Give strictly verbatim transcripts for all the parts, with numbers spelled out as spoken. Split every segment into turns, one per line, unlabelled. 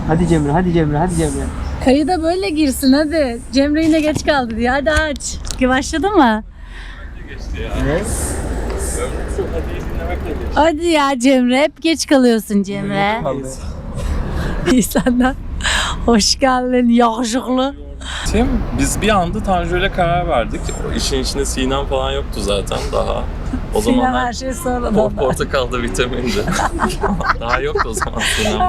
Hadi Cemre, hadi Cemre, hadi Cemre.
Kayıda böyle girsin hadi. Cemre yine geç kaldı diye. Hadi aç. Başladı mı?
Ne?
Hadi ya Cemre. Hep geç kalıyorsun Cemre. İyi senden. Hoş geldin yakışıklı.
Tim, biz bir anda Tanju ile karar verdik. O işin içinde Sinem falan yoktu zaten daha. O
Sinem
zamanlar
her şey sonradan.
por portakalda vitamindi. Daha yoktu o zaman Sinem.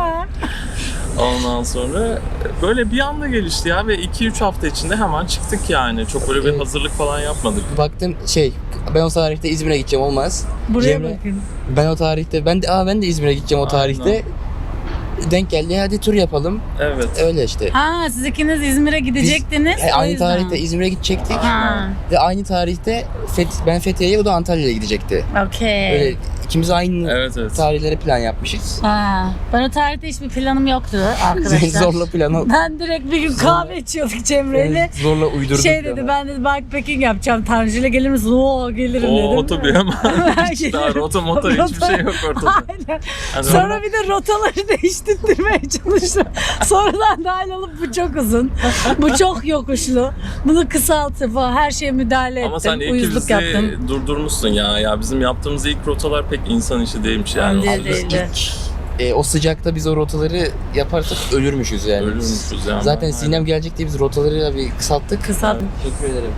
Ondan sonra böyle bir anda gelişti ya ve iki üç hafta içinde hemen çıktık yani. Çok böyle bir
Evet.
hazırlık falan yapmadık.
Baktım şey, ben o tarihte İzmir'e gideceğim olmaz.
Buraya
Cemre-
bakın.
Ben o tarihte, ben de aa ben de İzmir'e gideceğim o
Aynen.
tarihte. Denk geldi, hadi tur yapalım.
Evet.
Öyle işte.
Ha siz ikiniz İzmir'e gidecektiniz.
E,
o
aynı
yüzden.
tarihte İzmir'e gidecektik.
Ha,
Ve aynı tarihte Feth- ben Fethiye'ye, o da Antalya'ya gidecekti.
okey.
Öyle ikimiz aynı
Evet evet.
tarihlere plan yapmışız.
Ha, ben o tarihte hiçbir planım yoktu arkadaşlar.
Zorla planı
Ben direkt bir gün kahve içiyorduk Cemre'yle.
zorla uydurduk.
Şey
planı.
dedi, ben dedi bikepacking yapacağım. Tanju'yla gelir misin? Oo gelirim
O
dedim.
otobi hemen. Hiç
Gelirim.
daha rota mota hiçbir şey yok ortada.
Aynen.
Yani
Sonra bir de rotaları değiştirmeye çalıştım. Sonradan dahil olup bu çok uzun. Bu çok yokuşlu. Bunu kısaltıp falan her şeye müdahale ettim.
Ama sen iyi ki
Uyuzluk
bizi
yaptım.
durdurmuşsun ya. Ya bizim yaptığımız ilk rotalar pek insan işi değilmiş yani.
Değil,
Abi,
değildi.
E, o sıcakta biz o rotaları yaparsak ölürmüşüz yani.
Ölürmüşüz yani.
Zaten
Aynen.
Sinem gelecek diye biz rotaları bir kısalttık.
Kısalt.
Teşekkür ederim.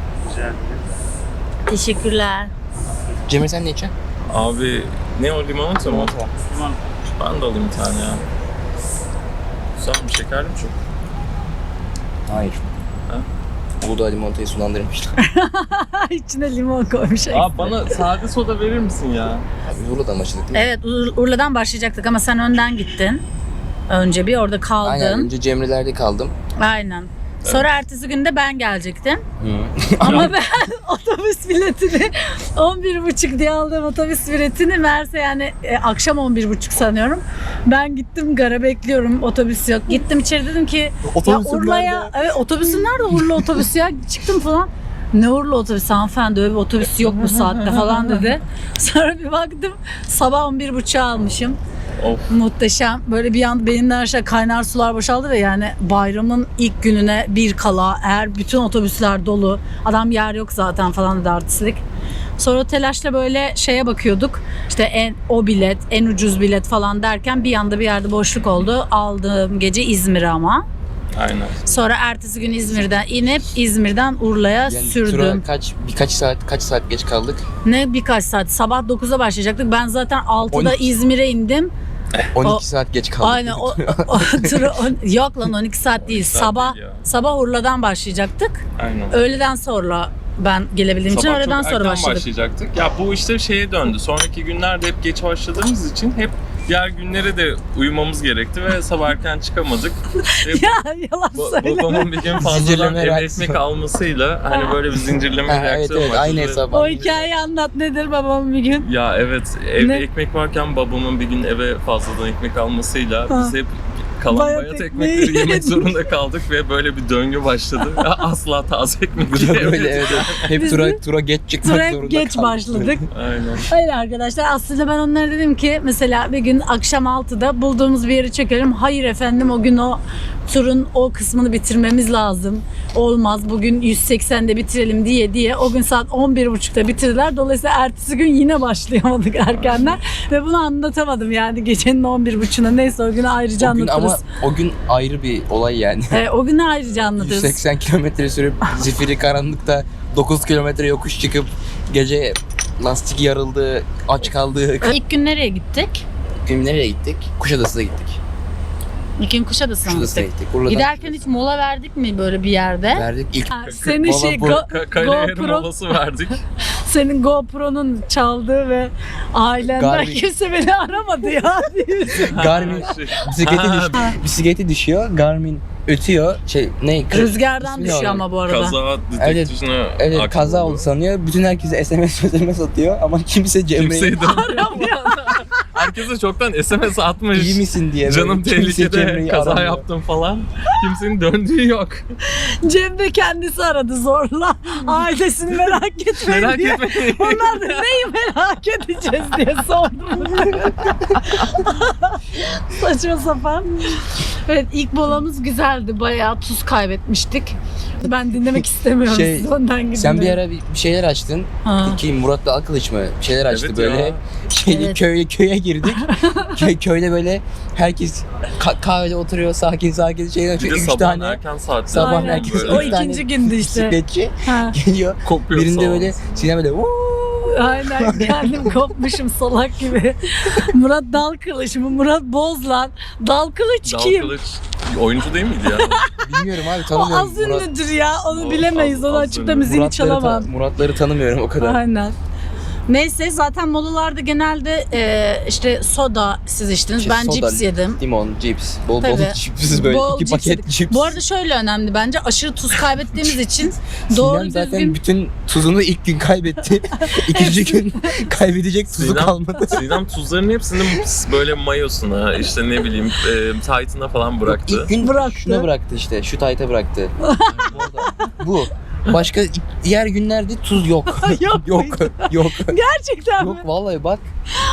Teşekkürler.
Cemre sen ne içeceksin?
Abi ne o limonata mı?
Limonata.
Ben de alayım bir tane ya. Güzel mi? Şekerli mi çok?
Hayır.
Ha?
Uludağ limonatayı sulandırmışlar.
İçine limon koymuş.
Aa bana sade soda verir misin ya?
Biz Uludağ'dan başladık değil mi?
Evet, Ur- Urla'dan başlayacaktık ama sen önden gittin. Önce bir orada kaldın.
Aynen,
Aynen.
önce Cemre'lerde kaldım.
Sonra ertesi günde ben gelecektim.
Hı.
Ama ben otobüs biletini on bir buçuk diye aldığım otobüs biletini meğerse yani e, akşam on bir buçuk sanıyorum. Ben gittim gara bekliyorum, otobüs yok. Gittim içeri dedim ki ya Urla'ya, evet otobüsün nerede Urla otobüsü ya? Çıktım falan. Ne Urla otobüsü hanımefendi, öyle bir otobüs yok bu saatte falan dedi. Sonra bir baktım sabah on bir buçuğa almışım.
Of.
Muhteşem. Böyle bir anda benimden aşağı kaynar sular boşaldı ve yani bayramın ilk gününe bir kala eğer bütün otobüsler dolu, adam yer yok zaten falan dedi artistlik. Sonra telaşla böyle şeye bakıyorduk. İşte en o bilet, en ucuz bilet falan derken bir anda bir yerde boşluk oldu. Aldığım gece İzmir ama.
Aynen.
Sonra ertesi gün İzmir'den inip İzmir'den Urla'ya
Yani
sürdüm.
tura kaç, birkaç saat, kaç saat geç kaldık?
Ne birkaç saat. Sabah dokuzda başlayacaktık. Ben zaten altıda
on iki
İzmir'e indim.
on iki
O-
saat geç kaldık.
Aynen o, o turu, on- yok lan on iki saat değil.
saat
Sabah
değil ya.
sabah Urla'dan başlayacaktık.
Aynen.
Öğleden sonra ben gelebildiğim için
Sabah
öğleden
çok
sonra
erken
başladık.
başlayacaktık. Ya bu işte şeye döndü. Sonraki günlerde hep geç başladığımız için hep diğer günlere de uyumamız gerekti ve sabah erken çıkamadık. Ve
Ya yalan
ba-
söyleme.
babamın bir gün fazladan
Zincirleme
eve
reaksiyon.
ekmek almasıyla hani böyle bir zincirleme
Ha, evet
reaksiyon
evet
başladı.
aynı hesap.
O hikayeyi anlat, nedir babam bir gün?
Ya evet, evde
Ne?
ekmek varken babamın bir gün eve fazladan ekmek almasıyla
Ha.
biz hep kalan
Bayat
bayat,
ekmeği
ekmekleri yemek
yedik.
zorunda kaldık ve böyle bir döngü başladı. Asla taze ekmek
Böyle
yiyemedik.
evet, evet. Hep
Biz
tura,
de
tura geç çıkmak
Tura hep
zorunda
geç
kaldık.
başladık.
Aynen.
Hayır arkadaşlar, aslında ben onlara dedim ki mesela bir gün akşam altıda bulduğumuz bir yeri çekelim. Hayır efendim, o gün o turun o kısmını bitirmemiz lazım. Olmaz, bugün yüz seksende bitirelim diye diye o gün saat on bir buçukta bitirdiler. Dolayısıyla ertesi gün yine başlayamadık erkenden ve bunu anlatamadım yani gecenin on bir buçuğuna. Neyse o günü ayrıca
O gün ama
anlatırız.
o gün ayrı bir olay yani.
Ee, o günü ayrıca anlatırız.
yüz seksen kilometre sürüp zifiri karanlıkta dokuz kilometre yokuş çıkıp gece lastik yarıldı, aç kaldık.
İlk gün nereye gittik?
Gün nereye gittik? Kuşadası'na gittik.
İlk gün Kuşadası'na
Kuşadası'na
gittik.
gittik. Urla'dan
Giderken hiç mola verdik mi böyle bir yerde?
verdik. İlk
Ha, senin
Valla
şey
bu-
Go-
Ka- Kale yarım
GoPro,
molası verdik.
senin GoPro'nun çaldığı ve ailenden
Garmin.
kimse beni aramadı ya diyorsun.
Garmin
Şey-
bisikleti,
Ha,
düş- bisikleti düşüyor. Garmin ötüyor. Şey ne?
Rüzgardan
İsmi ne
düşüyor
onun?
ama bu arada.
Kaza detektifine
Evet
aktif
kaza
oldu.
oldu sanıyor. Bütün herkese S M S S M S atıyor ama kimse Cemre'yi
Kimseyi de
Aramıyor.
Herkese çoktan S M S atmış.
İyi misin diye.
Canım
böyle kimse
tehlikede,
Cemre'yi
kaza
aramıyor.
yaptım falan. Kimsenin döndüğü yok.
Cem de kendisi aradı zorla. Ailesini merak etmeyin
Merak
diye.
etmeyin.
Onlar da neyi merak edeceğiz diye sordum. Saçma sapan. Evet, ilk molamız güzeldi. Bayağı tuz kaybetmiştik. Ben dinlemek istemiyorum.
Şey,
Siz önden gidin.
Sen bir
de.
ara bir bir şeyler açtın.
Ha.
Ki Murat'la Akılıç mı? Bir şeyler açtı
Evet
böyle.
ya.
Şeyli
Evet.
köye köye girdik. Köy, köyde böyle herkes ka- kahvede oturuyor sakin sakin şeyler
Bir
açıyor.
de
Üç
sabah
tane
erken saatte.
sabah
Aynen.
herkes
Böyle
O
üç tane
ikinci gündü işte.
bisikletçi
Ha.
geliyor.
kopuyor
Birinde
salon.
böyle Sinem böyle "Vuuu!"
Aynen, kendim kopmuşum salak gibi. Murat dal kılıç mı? Murat Bozlan. Dal kılıç
Dal
kim?
Kılıç oyuncu değil miydi ya?
bilmiyorum abi
O
tanımıyorum.
az
Murat-
ünlüdür ya. Onu
O
bilemeyiz.
az-
Onu
az
açıp da
ünlü.
müziğini
Muratları,
çalamam.
ta- Muratları tanımıyorum o kadar.
Aynen. Neyse zaten molalarda genelde e, işte soda siz içtiniz.
İşte
ben
soda,
cips yedim.
Limon, cips, bol bol
Tabii.
cips böyle
Bol
iki
cips
paket
yedik.
cips.
Bu arada şöyle önemli bence. Aşırı tuz kaybettiğimiz için doğru
Sinem zaten
düzgün
bütün tuzunu ilk gün kaybetti. İkinci gün kaybedecek tuzu
Sinem-
kalmadı.
Sinem tuzların hepsini böyle mayosuna, işte ne bileyim e, tight'ına falan bıraktı.
İlk gün
Bıraktı.
şuna bıraktı işte. Şu tayta bıraktı. Bu. Başka diğer günlerde tuz yok.
Yok
yok.
muydu?
Yok.
gerçekten
Yok
mi?
vallahi bak.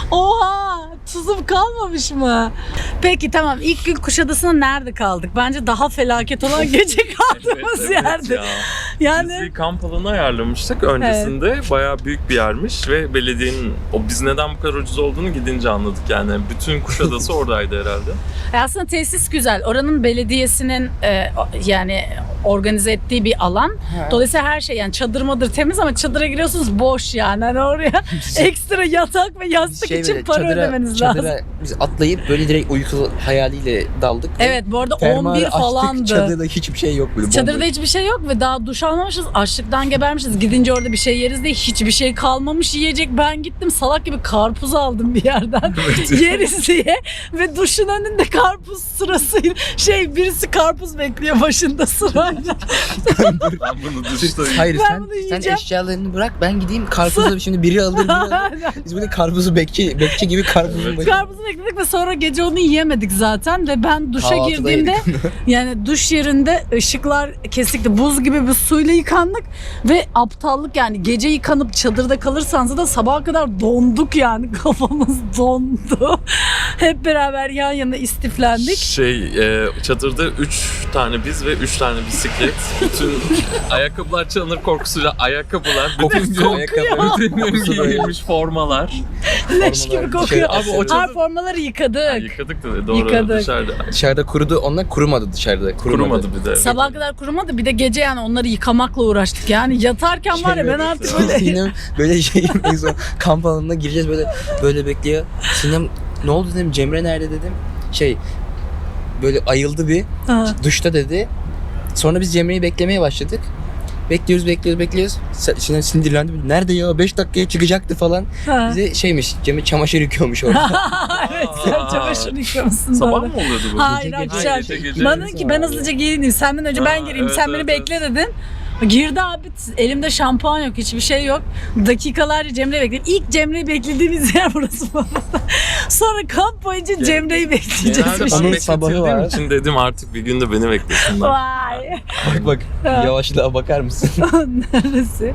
Oha! Tuzum kalmamış mı? Peki tamam, ilk gün Kuşadası'nda nerede kaldık? Bence daha felaket olan gece kaldığımız yerde.
ya.
Yani
Biz bir kamp alanı ayarlamıştık öncesinde. Bayağı büyük bir yermiş ve belediyenin o biz neden bu kadar ucuz olduğunu gidince anladık yani. Bütün Kuşadası oradaydı herhalde.
E aslında tesis güzel. Oranın belediyesinin e, o- yani organize ettiği bir alan. Dolayısıyla her şey yani çadır madır temiz ama çadıra giriyorsunuz boş yani. Hani oraya ekstra yatak ve yastık
Şey
için
böyle
para
çadıra-
ödemeniz
çadıra
lazım.
Biz atlayıp böyle direkt uyku hayaliyle daldık.
Evet, bu arada
Fermuarı
on bir
açtık,
falandı.
Çadırda hiçbir şey yok böyle.
Çadırda
bomboş.
hiçbir şey yok ve daha duş almamışız. Açlıktan gebermişiz. Gidince orada bir şey yeriz diye hiçbir şey kalmamış yiyecek. Ben gittim salak gibi karpuz aldım bir yerden. Yeriz diye. Ve duşun önünde karpuz sırası. Şey, birisi karpuz bekliyor başında sırayla.
Ben bunu duşta
Hayır
Ben
sen,
bunu
sen
yiyeceğim.
eşyalarını bırak ben gideyim karpuzu şimdi biri alır biri alır. Biz böyle karpuzu bekçi, bekçi gibi karpuzun başında.
Karpuzu bekledik ve sonra gece onu yiyemedik zaten. Ve ben duşa
Kahvaltıda
girdiğimde yani duş yerinde ışıklar kesikti. Buz gibi bir suyla yıkandık ve aptallık yani gece yıkanıp çadırda kalırsanız da sabaha kadar donduk yani. Kafamız dondu. Hep beraber yan yana istiflendik.
Şey, e, çadırda üç tane biz ve üç tane bisiklet. Bütün ayakkabılar çalınır korkusuyla ayakkabılar. Bütün gün,
Ayakkabı.
bütün gün
Kokusu böyle.
giyilmiş formalar.
Leş gibi
Formalar
kokuyor.
dışarı
Abi o
Her
çadır-
formaları yıkadık.
Ha, yıkadık da doğru
Yıkadık.
dışarıda.
Dışarıda kurudu onlar kurumadı dışarıda. Kurumadı.
Kurumadı bir de.
Sabaha kadar kurumadı. Bir de gece yani onları yıkamakla uğraştık. Yani yatarken var ya ben artık böyle...
Sinem böyle şey en son kamp alanına gireceğiz böyle böyle bekliyor. Sinem ne oldu dedim Cemre nerede dedim. Şey böyle ayıldı bir
Ha.
duşta dedi. Sonra biz Cemre'yi beklemeye başladık. Bekliyoruz bekliyoruz bekliyoruz. Sa- Sinem sinirlendi. Nerede ya beş dakikaya çıkacaktı falan.
Ha.
Bize şeymiş Cemre çamaşır yıkıyormuş orada.
Evet, sen çamaşır yıkamışsın.
Sabah
doğru.
mı oluyordu bu?
Hayır
Gece, gece.
akşam.
Gece, gece.
Bana dedi ki ben hızlıca giyineyim. Senden önce ben
Ha,
gireyim.
evet,
sen beni
evet,
bekle dedin. Girdi abi, elimde şampuan yok, hiçbir şey yok. Dakikalarca Cemre'yi bekledim. İlk Cemre'yi beklediğimiz yer burası bu arada. Sonra kamp boyunca Cemre'yi bekleyeceğiz.
Genelde
bir
ben
şey.
Onun sabahı
bekletildiğim
var.
için dedim artık bir gün de beni beklesinler.
Vay.
bak bak yavaşlığa bakar mısın?
Neresi?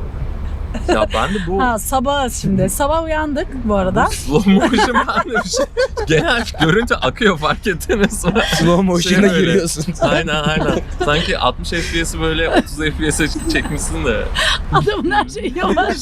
Ya ben de bu
Ha, sabah şimdi. Sabah uyandık bu arada.
slow motion ben de bir şey. Genel görüntü akıyor fark ettiniz mi?
Slow motion'a
Şey böyle.
giriyorsun.
Aynen aynen. Sanki altmış F P S'i böyle otuz F P S'e çekmişsin de.
Adamın her şeyi yavaş.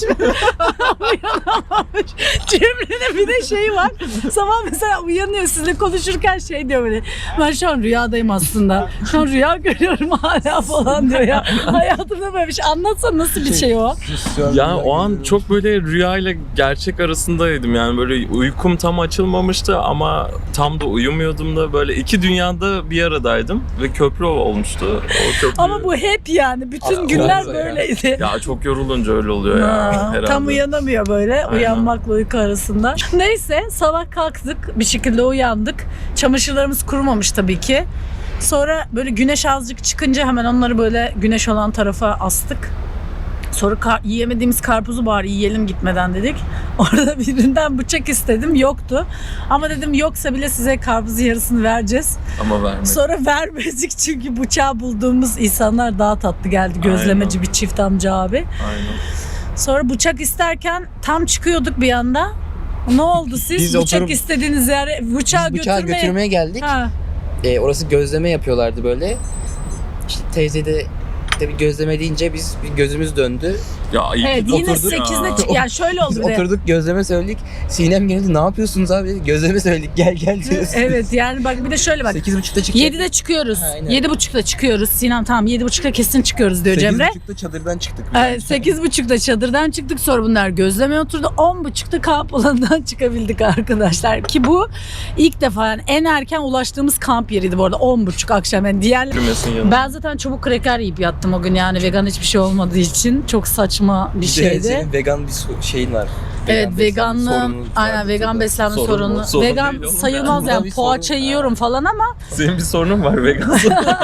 Uyanamamış. Cemre'nin bir de şeyi var. Sabah mesela uyanıyor sizinle konuşurken şey diyor böyle. Ben şu an rüyadayım aslında. Şu an rüya görüyorum hala falan diyor ya. Hayatımda böyle bir şey. Anlatsana nasıl bir şey o?
Yani o an çok böyle rüya ile gerçek arasındaydım yani böyle uykum tam açılmamıştı ama tam da uyumuyordum da böyle iki dünyada bir aradaydım ve köprü olmuştu. O köprü...
Ama bu hep yani. Bütün
Aa,
günler
olmaz ya.
böyleydi.
Ya çok yorulunca öyle oluyor ya
Ha,
herhalde.
tam uyanamıyor böyle
Aynen.
uyanmakla uyku arasında. Neyse sabah kalktık, bir şekilde uyandık. Çamaşırlarımız kurumamış tabii ki. Sonra böyle güneş azıcık çıkınca hemen onları böyle güneş olan tarafa astık. Sonra kar- yiyemediğimiz karpuzu bari yiyelim gitmeden dedik. Orada birinden bıçak istedim, yoktu. Ama dedim yoksa bile size karpuzun yarısını vereceğiz.
Ama vermedi.
Sonra vermedik çünkü bıçağı bulduğumuz insanlar daha tatlı geldi. Gözlemeci
Aynen.
bir çift amca abi.
Aynen.
Sonra bıçak isterken tam çıkıyorduk bir anda. Ne oldu siz?
Biz
bıçak
oturup-
istediğiniz yere bıçağı,
Biz bıçağı
götürmeye...
götürmeye geldik.
Ha.
E, orası gözleme yapıyorlardı böyle. İşte teyze de tabii gözleme deyince biz bir gözümüz döndü.
Ya iyi
Evet
ki
yine
oturduk
sekizde
ya.
çık. Yani şöyle oldu
Biz
bir de.
oturduk gözleme söyledik. Sinem geldi, ne yapıyorsunuz abi? Gözleme söyledik, gel gel diyoruz.
Evet yani bak bir de şöyle bak.
sekiz buçukta çıktık.
yedide çıkıyoruz.
Ha, aynen.
yedi buçukta çıkıyoruz. Sinem tamam yedi buçukta kesin çıkıyoruz diyor Cemre.
sekiz buçukta çadırdan çıktık.
Evet, sekiz buçukta çadırdan çıktık, sonra bunlar gözlemeye oturdu. on buçukta kamp alanından çıkabildik arkadaşlar. Ki bu ilk defa yani en erken ulaştığımız kamp yeriydi bu arada. on buçuk akşam yani diğer...
Yürümesin yanına.
Ben zaten çabuk kreker yiyip yattım o gün yani vegan hiçbir şey olmadığı için. Çok saçma bir
Bir de
şeydi.
senin vegan bir so- şeyin var.
Evet
Vegan beslenme
veganlığım,
sorunun
aynen
vardı
vegan
burada.
beslenme
Sorun
sorunu.
mu? Sorun
Vegan
değil oğlum
sayılmaz
ya.
yani
Bunda bir
poğaça
sorun-
yiyorum falan ama
Senin bir sorunun var vegan.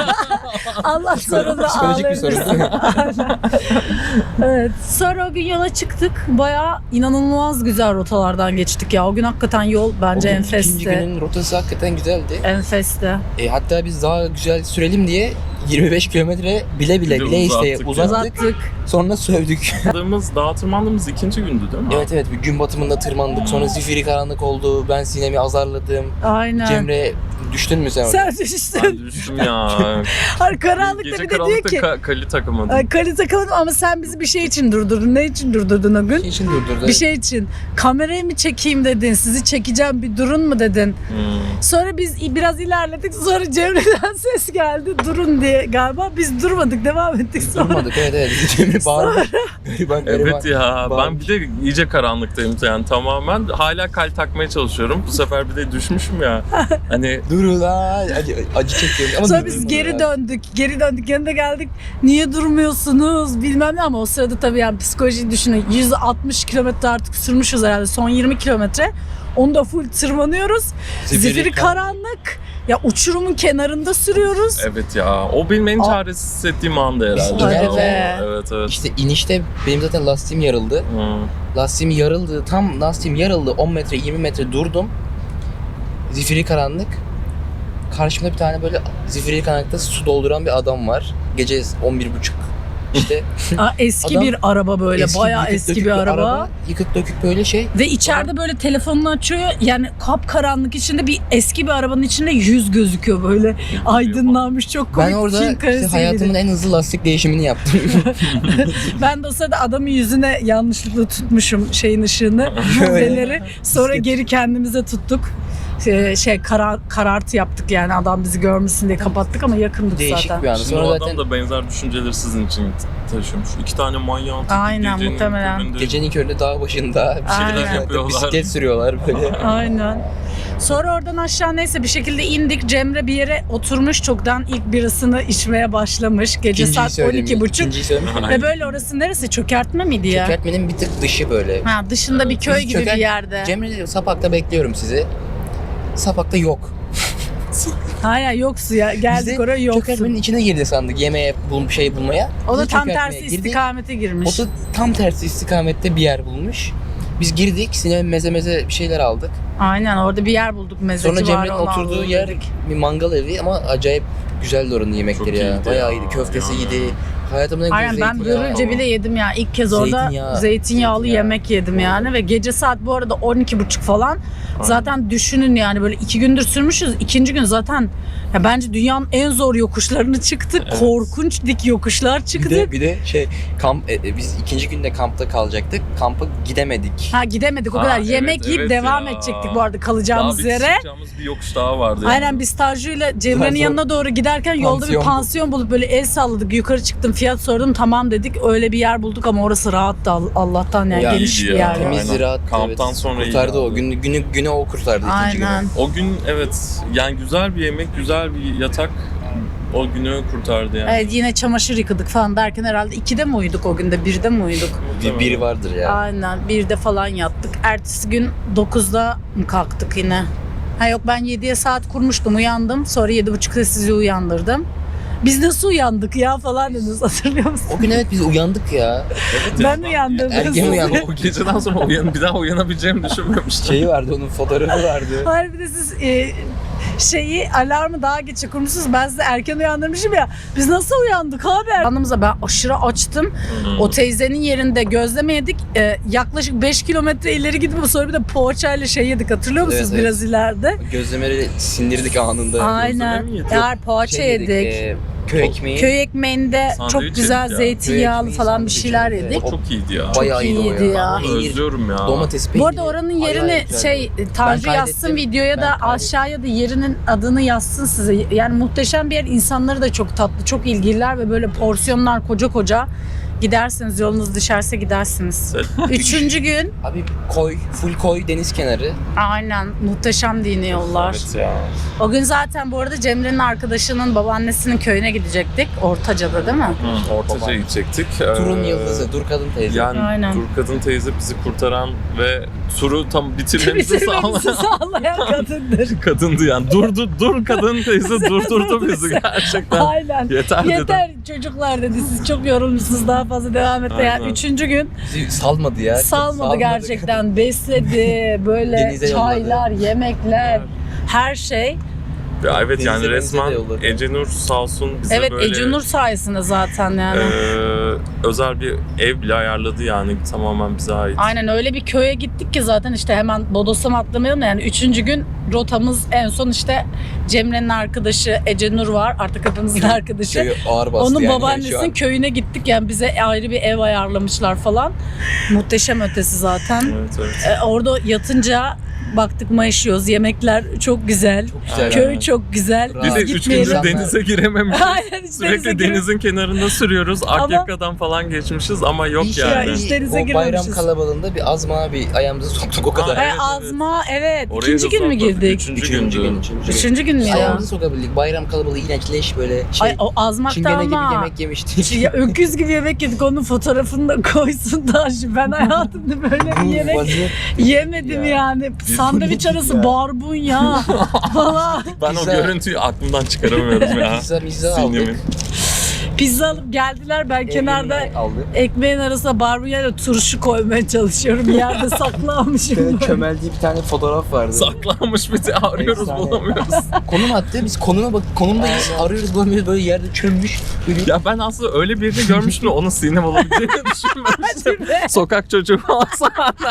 Allah sorunu
Psikolojik bir sorun.
Aynen. Evet. Sonra o gün yola çıktık. Bayağı inanılmaz güzel rotalardan geçtik ya. O gün hakikaten yol bence
O gün İkinci
enfesti.
günün rotası hakikaten güzeldi.
Enfesti.
E, hatta biz daha güzel sürelim diye yirmi beş kilometre bile bile
Bir de
bile isteye
uzattık ya.
uzattık.
Uzattık.
Sonra sövdük.
Tırmandığımız, dağa tırmandığımız ikinci gündü değil mi?
Evet evet bir gün batımında tırmandık. Sonra zifiri karanlık oldu. Ben Sinem'i azarladım.
Aynen.
Cemre düştün mü sen orada?
Sen
Ben
düştün.
düştüm ya.
Har karanlıkta
Gece
bir de diyor
karanlıkta
ki
ka- kali takamadım.
"Ay, kali takamadım ama sen bizi bir şey için durdurdun. Ne için durdurdun o gün?
Şey için durdurdu.
Bir şey için. Kamerayı mı çekeyim dedin. Sizi çekeceğim bir durun mu dedin.
Hmm.
Sonra biz biraz ilerledik. Sonra Cemre'den ses geldi. Durun diye galiba. Biz durmadık. Devam ettik sonra.
Durmadık evet evet. Cemre bağırdı. Gariban gariban.
Evet ya ben
Bağırmış.
bir de iyice karanlıktayım yani tamamen. Hala kal takmaya çalışıyorum. Bu sefer bir de düşmüşüm ya. Hani
Durun lan. Acı, acı çekiyorum. Ama
Sonra
durun
biz
ya.
geri döndük. Geri döndük. Yanına geldik. Niye durmuyorsunuz? Bilmem ne ama o sırada tabii yani psikolojiyi düşünün. yüz altmış kilometre artık sürmüşüz herhalde. Son yirmi kilometre. Onu da full tırmanıyoruz.
Zifiri
Zifiri karanlık. Ya uçurumun kenarında sürüyoruz.
evet ya o benim en
Aa.
çaresiz hissettiğim anda herhalde.
Hadi
ya.
be.
Evet evet.
İşte inişte benim zaten lastiğim yarıldı.
Hmm.
Lastiğim yarıldı. Tam lastiğim yarıldı. on metre yirmi metre durdum. Zifiri karanlık. Karşımda bir tane böyle zifiri karanlıkta su dolduran bir adam var. Gece on bir buçuk. İşte
Aa, eski
Adam-
bir araba böyle. Bayağı
yıkık
eski
dökük
bir araba.
Yıkık dökük böyle şey.
Ve içeride böyle telefonunu açıyor. Yani kapkaranlık içinde bir eski bir arabanın içinde yüz gözüküyor böyle. Aydınlanmış çok komik.
Ben orada
Çin
işte
karesiydi.
hayatımın en hızlı lastik değişimini yaptım.
Ben de o sırada adamın yüzüne yanlışlıkla tutmuşum şeyin ışığını, feneri. Sonra geri kendimize tuttuk. Şey, şey karar, karartı yaptık yani adam bizi görmesin diye kapattık ama yakındık
Değişik
zaten.
bir anı.
Şimdi
Sonra
o
zaten
adam da benzer düşünceleri sizin için taşıyormuş. İki tane manyağın teki
Aynen,
gecenin
muhtemelen.
köründe
gecenin köründe dağ başında bir
Aynen.
şeyler
Yapıyorlar.
bisiklet sürüyorlar böyle.
Aynen. Sonra oradan aşağı neyse bir şekilde indik. Cemre bir yere oturmuş çoktan ilk birasını içmeye başlamış. Gece
İkinciyi
saat on
söyleyeyim.
iki buçuk.
İkinciyi söyleyeyim.
Ve böyle orası neresi? Çökertme miydi ya?
Çökertmenin bir tık dışı böyle.
Ha, dışında bir köy
Biz
gibi
çöker-
bir yerde.
Cemre diyor Sapak'ta bekliyorum sizi. Sapak'ta yok.
Hayır yoksu ya. Geldik
Biz de
oraya yoksu.
Çökertmenin içine girdi sandık yemeğe bul şey bulmaya.
O da
Biz de
tam
çökertmeye
tersi
girdik.
istikamete girmiş.
O da tam tersi istikamette bir yer bulmuş. Biz girdik, Sinem meze meze bir şeyler aldık.
Aynen orada bir yer bulduk. Mezeci
Sonra
var,
Cemre'nin
onu
oturduğu
alalım
yer
dedik.
bir mangal evi ama acayip güzeldi oranın yemekleri
Çok
ya.
iyiydi
Bayağı
ya.
iyiydi. Köftesi
Yani.
iyiydi. Hayatımda en güzel
Aynen ben
zeytinyağı.
börülce bile yedim ya. İlk kez orada
Zeytinyağı.
zeytinyağlı
Zeytinyağı.
yemek yedim yani. Ve gece saat bu arada on iki buçuk falan.
Aynen.
Zaten düşünün yani böyle iki gündür sürmüşüz. İkinci gün zaten ya bence dünyanın en zor yokuşlarını çıktık.
Evet.
Korkunç dik yokuşlar
Bir
çıktık.
de, bir de şey kamp e, e, biz ikinci günde kampta kalacaktık. Kampa gidemedik.
Ha gidemedik o
Ha,
kadar.
evet,
Yemek yiyip
evet
devam
ya.
edecektik bu arada
Daha
kalacağımız
bir
yere.
çıkacağımız bir yokuş daha vardı. yani.
Aynen biz Tanju'yla Cemre'nin
Zaten
yanına doğru giderken yolda bir
pansiyon bu.
pansiyon bulup böyle el salladık. Yukarı çıktım fiyat sordum tamam dedik. Öyle bir yer bulduk ama orası rahattı All- Allah'tan yani
Ya,
geniş
iyiydi
bir
ya.
yer.
Temiz.
Temizdi
Aynen.
rahat.
Kamptan
evet.
sonra iyiydi
kurtardı o.
abi.
Günü, günü, günü o kurtardı ikinci
Aynen.
günü.
O gün evet yani güzel bir yemek, güzel bir yatak o günü kurtardı yani.
Evet yine çamaşır yıkadık falan derken herhalde ikide mi uyuduk o günde birde mi uyuduk?
Bir, biri vardır ya.
Aynen birde falan yattık. Ertesi gün dokuzda mı kalktık yine? Ha yok ben yediye saat kurmuştum uyandım. Sonra yedi buçukta sizi uyandırdım. Biz nasıl uyandık ya falan dediniz, hatırlıyor musun?
O gün evet biz uyandık ya.
Ben uyandım.
Ergen uyandım.
O geceden sonra uyan, bir daha uyanabileceğimi düşünmemiştim.
Şeyi vardı, onun fotoğrafı vardı.
Hayır, bir de siz e, şeyi alarmı daha geç kurmuşsunuz. Ben sizi erken uyandırmışım ya. Biz nasıl uyandık abi? Anımıza ben aşırı açtım.
Hmm.
O teyzenin yerinde gözleme yedik. E, yaklaşık beş kilometre ileri gidip sonra bir de poğaçayla şey yedik. Hatırlıyor musunuz
Evet,
biraz ileride?
Gözlemeleri sindirdik anında.
Aynen.
mi yedik?
Eğer poğaça
Şey
yedik.
e, köy ekmeği.
Köy ekmeğinde
Sandviç
çok güzel
yedik ya.
zeytinyağlı
Köy ekmeği,
falan bir
sandviç
şeyler
yedik.
yedik.
O çok iyiydi ya.
Bayağı
Çok
iyiydi o
iyiydi
ya.
ya.
Onu özlüyorum ya.
Domates peyniri.
Bu arada oranın yerini
Bayağı güzeldi.
şey Tanju
Ben
yazsın
kaydettim.
videoya
Ben
da
kaydettim.
aşağıya da yerinin adını yazsın size. Yani muhteşem bir yer. İnsanları da çok tatlı, çok ilgililer ve böyle porsiyonlar koca koca. Gidersiniz, yolunuz düşerse gidersiniz. Üçüncü gün
Abi koy, full koy, deniz kenarı.
aynen muhteşem dini yollar.
Evet ya.
O gün zaten bu arada Cemre'nin arkadaşının babaannesinin köyüne gidecektik. Ortaca'da değil mi?
Hı, Ortaca gidecektik.
Turun
Ee,
yıldızı, Dur Kadın teyze.
Yani
Aynen.
Dur Kadın teyze bizi kurtaran ve turu tam bitirmemizi
Bitirmemizi
sağlayan
sağlayan kadındır.
kadındı yani. Durdu, dur kadın teyze durdurdu bizi gerçekten.
Aynen.
Yeter dedi.
Yeter çocuklar dedi, siz çok yorulmuşsunuz, daha fazla devam et. Yani
Aynen.
üçüncü gün
Bizi salmadı ya.
salmadı gerçekten, besledi, böyle
Denize yolladı.
çaylar, yemekler, her şey.
Ya evet
Denize
yani
denize de
resmen
yolladı.
Ecenur sağ olsun bize
Evet,
böyle
Ece Nur sayesinde zaten yani.
e, özel bir ev bile ayarladı yani tamamen bize ait.
Aynen, öyle bir köye gittik ki zaten işte hemen Bodoslama atlamayalım da yani üçüncü gün rotamız en son işte Cemre'nin arkadaşı Ece Nur var, artık hepimizin arkadaşı.
Köyü ağır bastı
Onun
yani şu
babaannesinin
an.
köyüne gittik yani, bize ayrı bir ev ayarlamışlar falan. Muhteşem ötesi zaten.
Evet evet.
Ee, orada yatınca baktık mayışıyoruz. Yemekler çok güzel.
Çok güzel.
Köy
yani.
çok güzel.
Bir
Bir de
Biz
üç
gitmeyelim.
gündür denize girememişiz.
Aynen, hiç
Sürekli
denize girip-
denizin kenarında sürüyoruz.
Ama-
Akyaka'dan falan geçmişiz ama yok
İş
yani.
hiç denize
o bayram
girmemişiz.
kalabalığında bir azma bir ayağımızı soktuk o kadar.
Ha,
Ee,
evet, evet.
azma evet.
Orayı
İkinci gün mü
hızlı atladık.
girdik?
Üçüncü,
Üçüncü
gündü.
gün. Üçüncü gün.
Üçüncü gün mü ya?
Ayağımızı sokabildik. Bayram kalabalığı iğrenç leş böyle şey.
Ay, o azmakta
Çingene gibi
ama.
yemek yemiştik.
Ya, öküz gibi yemek yedik, onun fotoğrafını da koysun Tanju. Ben hayatımda böyle bir yemek
Vaziyet-
yemedim
Ya.
yani. Sandviç arası
ya.
barbunya falan.
Ben
Pizza-
o görüntüyü aklımdan çıkaramıyorum ya.
Pizza mizza aldık.
Sinirimi.
Pizza alıp geldiler, ben kenarda
Ekmeği aldık.
ekmeğin arasına barbunyayla turşu koymaya çalışıyorum. Yerde saklanmışım. böyle.
Çömeldiği bir tane fotoğraf vardı.
Saklanmış bir de arıyoruz
Efsane.
bulamıyoruz.
Konum attı. Biz konuma bak, konumdayız. Arıyoruz bulamıyoruz. Böyle yerde çömmüş. Böyle
Ya ben aslında öyle birini görmüştüm de onun Sinem olabileceğini düşünmemiştim. Sokak çocuğu olsa.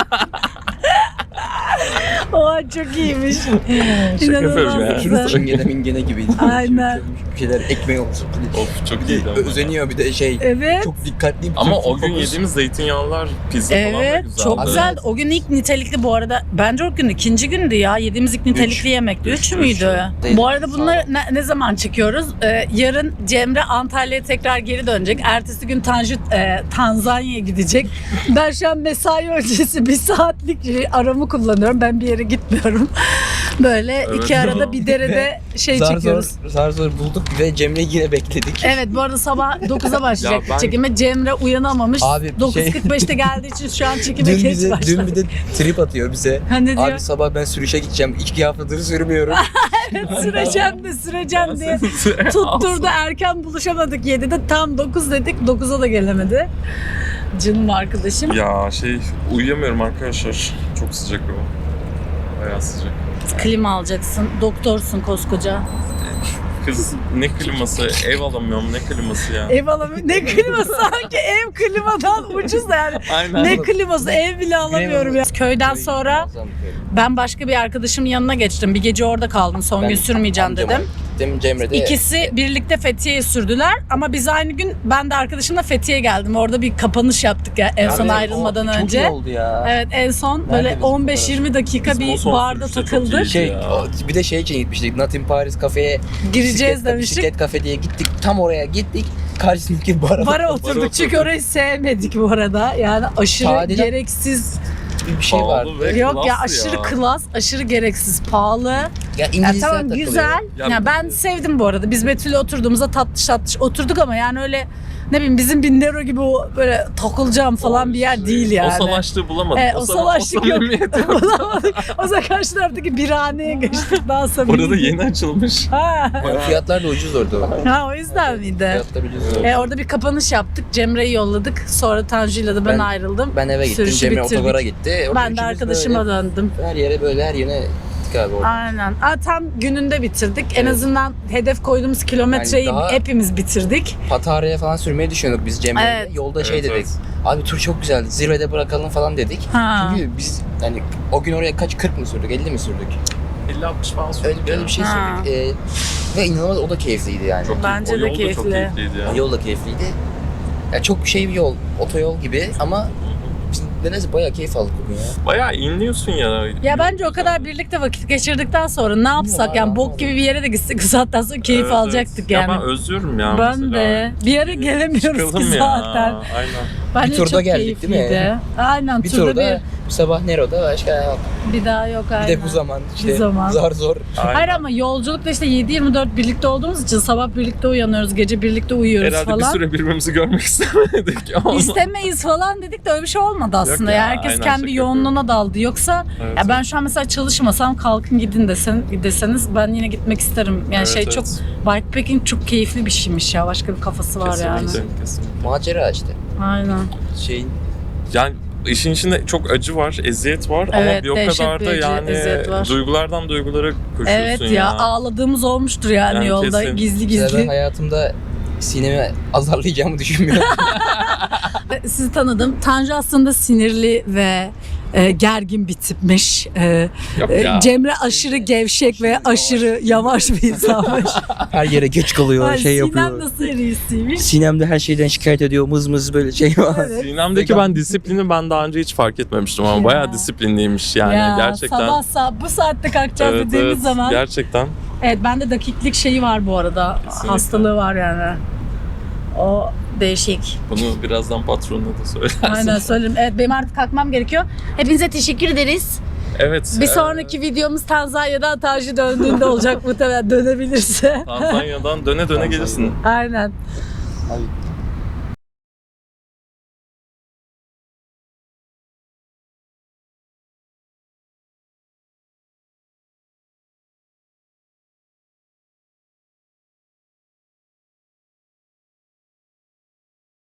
Oha, çok iyiymiş.
Şaka yapıyorum ya.
İnanılmaz
Şurası
güzel.
çingene mingene gibiydi.
Aynen.
Bir şeyler ekmeği olmuş.
Of çok
Bir de
iyiydi ama.
özeniyor bir de şey.
Evet.
Çok dikkatli.
Ama
bütün
o gün
fokus-
yediğimiz zeytinyağlılar, pizza falan da
Evet,
güzeldi.
çok
Abi,
güzeldi.
evet.
O gün ilk nitelikli bu arada. Bence o gün ikinci gündü ya. Yediğimiz ilk nitelikli
Üç.
yemekti. Üç,
Üç, üç.
müydü?
Değil.
Bu arada bunları
Sağ ol.
ne, ne zaman çekiyoruz? Ee, yarın Cemre Antalya'ya tekrar geri dönecek. Ertesi gün Tanju e, Tanzanya'ya gidecek. Ben şu an mesai öncesi bir saatlik aramı kullanıyorum. Ben bir yere gitmiyorum. Böyle
Evet.
iki arada bir derede şey
zar
çekiyoruz.
zor, zar zor bulduk ve Cemre'yi yine bekledik.
Evet, bu arada sabah dokuza başlayacak
Ya ben-
çekime. Cemre uyanamamış.
Abi, bir
dokuz
şey-
kırk beşte geldiği için şu an çekime
Dün
geç
bize,
başladı.
dün bir de trip atıyor bize.
Ha, ne diyor?
Abi sabah ben sürüşe gideceğim. İki haftadır sürmüyorum.
Süreceğim de süreceğim diye tutturdu. Erken buluşamadık yedide. Tam dokuz dedik. dokuza da gelemedi. Canım arkadaşım.
Ya şey uyuyamıyorum arkadaşlar. Çok sıcak o. Bayağı sıcak.
Klima alacaksın. Doktorsun koskoca.
Kız ne kliması? Ev alamıyorum ne kliması ya?
Ev alamıyorum. Ne kliması? Sanki ev klimadan ucuz da yani.
Aynen.
Ne kliması? Ev bile alamıyorum ya. Köyden sonra ben başka bir arkadaşımın yanına geçtim. Bir gece orada kaldım. Son
Ben
gün sürmeyeceğim
amcama
dedim.
Gittim Cemre'de.
İkisi birlikte Fethiye'ye sürdüler ama biz aynı gün ben de arkadaşımla Fethiye'ye geldim. Orada bir kapanış yaptık ya en son
Abi,
ayrılmadan
o
önce.
Çok iyi oldu ya.
Evet, en son
Nerede
böyle
bizim
on beş yirmi dakika
Bizim o
bir
son
barda
sürüşte çok
takıldık.
iyiydi.
Şey,
Ya.
o- bir de şey için gitmiştik. Not in Paris kafeye.
Gireceğiz
bisiklet-
demiştik.
Bisiklet kafe diye gittik. Tam oraya gittik. Karşısındaki bara
Bara oturduk
oturduk.
çünkü orayı sevmedik bu arada. Yani aşırı
Sadece-
gereksiz.
bir şey
Pahalı
vardı.
ve
Yok ya,
klas
aşırı klas, aşırı gereksiz, pahalı.
Ya
Ya
İngilizler
tamam,
takılıyor.
güzel.
Ya-
Ya ben sevdim bu arada. Biz Betül'le oturduğumuzda tatlış tatlış oturduk ama yani öyle ne bileyim bizim Bindero gibi o böyle takılacağım falan bir yer değil yani.
O salaşlığı bulamadık.
E,
o,
o
sama-
salaşlık
o
yok.
samimiyeti yok.
Bulamadık. O zaman karşı taraftaki birhaneye geçtik daha samimi.
Orada yeni açılmış.
Ha.
Fiyatlar da ucuz orada.
ha o yüzden miydi?
Fiyatlar ucuz.
E, orada bir kapanış yaptık. Cemre'yi yolladık. Sonra Tanju'yla da ben,
Ben-
ayrıldım.
Ben eve gittim,
Sürüşü
Cemre
bitirdik.
otogara gitti. Orada
Ben de
üçümüz
arkadaşıma
böyle
döndüm.
her yere böyle her yöne gittik abi orada.
Aynen. Aa, tam gününde bitirdik. En
Evet.
azından hedef koyduğumuz kilometreyi
Yani daha-
hepimiz bitirdik.
Patara'ya falan sürmeyi düşünüyorduk biz Cemre'yle.
Evet.
Yolda şey
Evet,
dedik.
evet.
Abi tur çok güzeldi. Zirvede bırakalım falan dedik.
Ha.
Çünkü biz yani o gün oraya kaç kırk mı sürdük? elli mi sürdük?
elli altmış falan sürdük
Öyle,
ya.
öyle bir şey
Ha.
sürdük. Ee, ve inanılmaz o da keyifliydi yani.
Çok
Bence
o
de
yol da
keyifli.
çok keyifliydi ya.
Yol da keyifliydi. Ya çok şey bir yol, otoyol gibi ama biz nedense bayağı keyif aldık bugün ya.
Bayağı inliyorsun ya.
Ya bence o kadar birlikte vakit geçirdikten sonra ne yapsak
Bilmiyorum
yani
abi,
bok gibi bir yere de gitsek o saatten sonra keyif
Evet,
alacaktık
evet.
yani.
Ya ben özlüyorum ya
Ben
mesela.
de. Bir ara gelemiyoruz
Çıkalım
ki
ya.
zaten.
Aynen.
Bence
Bir turda
çok
geldik, değil mi?
keyifliydi. Aynen
Bir
turda,
turda bu sabah Nero'da başka yok.
bir, bir daha yok aynen.
Bir de bu zaman işte
Bir zaman.
zar zor.
Aynen.
Hayır ama yolculukta işte yedi yirmi dört birlikte olduğumuz için sabah birlikte uyanıyoruz, gece birlikte uyuyoruz
Herhalde
falan.
bir süre birbirimizi görmek istemedik ama.
İstemeyiz falan dedik de öyle bir şey olmadı aslında.
ya,
ya, herkes
aynen,
kendi
şaka
yoğunluğuna daldı. Yoksa
Evet,
ya ben
evet.
şu an mesela çalışmasam kalkın gidin desen, deseniz ben yine gitmek isterim. Yani
Evet,
şey
evet.
çok bikepacking çok keyifli bir şeymiş ya. Başka bir kafası var yani.
Kesinlikle, kesinlikle.
Macera işte.
Aynen.
Şeyin
Yani işin içinde çok acı var, eziyet var
Evet,
ama bir o
dehşet
kadar
bir
da
acı,
yani
eziyet var.
duygulardan duygulara koşuyorsun
Evet ya,
ya.
ağladığımız olmuştur yani,
Yani
yolda
kesin.
gizli
mesela ben
gizli.
hayatımda Sinem'i azarlayacağımı düşünmüyorum.
Sizi tanıdım. Tanju aslında sinirli ve e, gergin bir tipmiş. E,
Yok
e,
ya.
Cemre aşırı gevşek ve aşırı yavaş bir insanmış.
Her yere geç kalıyor,
Ay,
şey
Sinem
yapıyor.
de serisiymiş.
Sinem de her şeyden şikayet ediyor, mız mız böyle şey var.
Evet.
Sinem'deki ben disiplini ben daha önce hiç fark etmemiştim ama
Ya.
bayağı disiplinliymiş yani
ya,
gerçekten.
Sabah sabah bu saatte kalkacağız
Evet,
dediğimiz
evet,
zaman.
gerçekten.
Evet, bende dakiklik şeyi var bu arada.
Kesinlikle.
Hastalığı var yani. O değişik.
Bunu birazdan patronuna da söylersin.
Aynen söylerim. Evet, benim artık kalkmam gerekiyor. Hepinize teşekkür ederiz.
Evet.
Bir
e,
sonraki videomuz Tanzanya'dan Tanju döndüğünde olacak muhtemelen, dönebilirse.
Tanzanya'dan döne döne gelirsin.
Aynen.
Abi